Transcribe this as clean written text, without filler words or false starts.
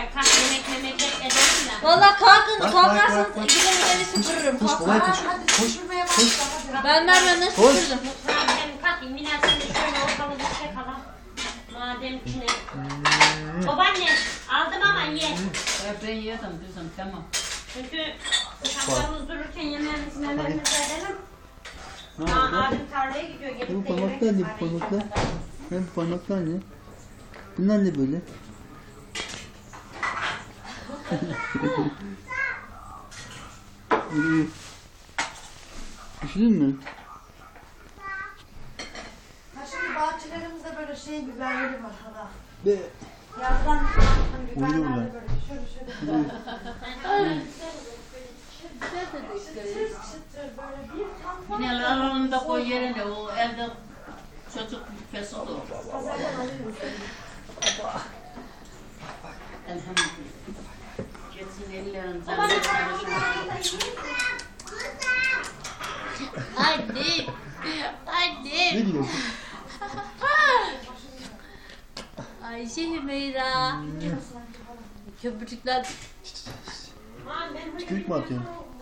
kalk yemek edelim de. Valla kalkın, Bak, kalkarsanız bak. ikiden beni süpürürüm. Koş Kalk. kolay koş. Hadi Koş. süpürmeye başla hadi. Ben vermeden Koş. süpürdüm. Mutfağa gidelim kalk. Mine sen de şöyle ortalığı bir çek alalım. Madem ki ne. Babaanne aldım ama ye. Ben yedim kızım tamam. Çünkü uşaklarımız dururken yemeğimizi memeğimizi edelim. Ne oldu? Abim tarlaya gidiyor. Bu Gelip de parmaklar ne? Bu yemek parmaklar? Ne bu parmaklar ne? Bunlar ne böyle? Üşüdün mü? Ha şimdi bahçelerimizde böyle şey biberleri var hala. Be. Yazdan hani Uyuyor biberlerde lan. böyle şöyle. Çıtır çıtır böyle bir tam Yine alanında koy yerine o elde çocuk fesat olur. pazardan alıyoruz. Elhamdülillah. Geçsin ellerin Babaanne canını sen çalışıyor. Annem. Annem. Ne diyorsun? Ayşe Hümeyra. Köpürcükler. Tükürük mü atıyorsun?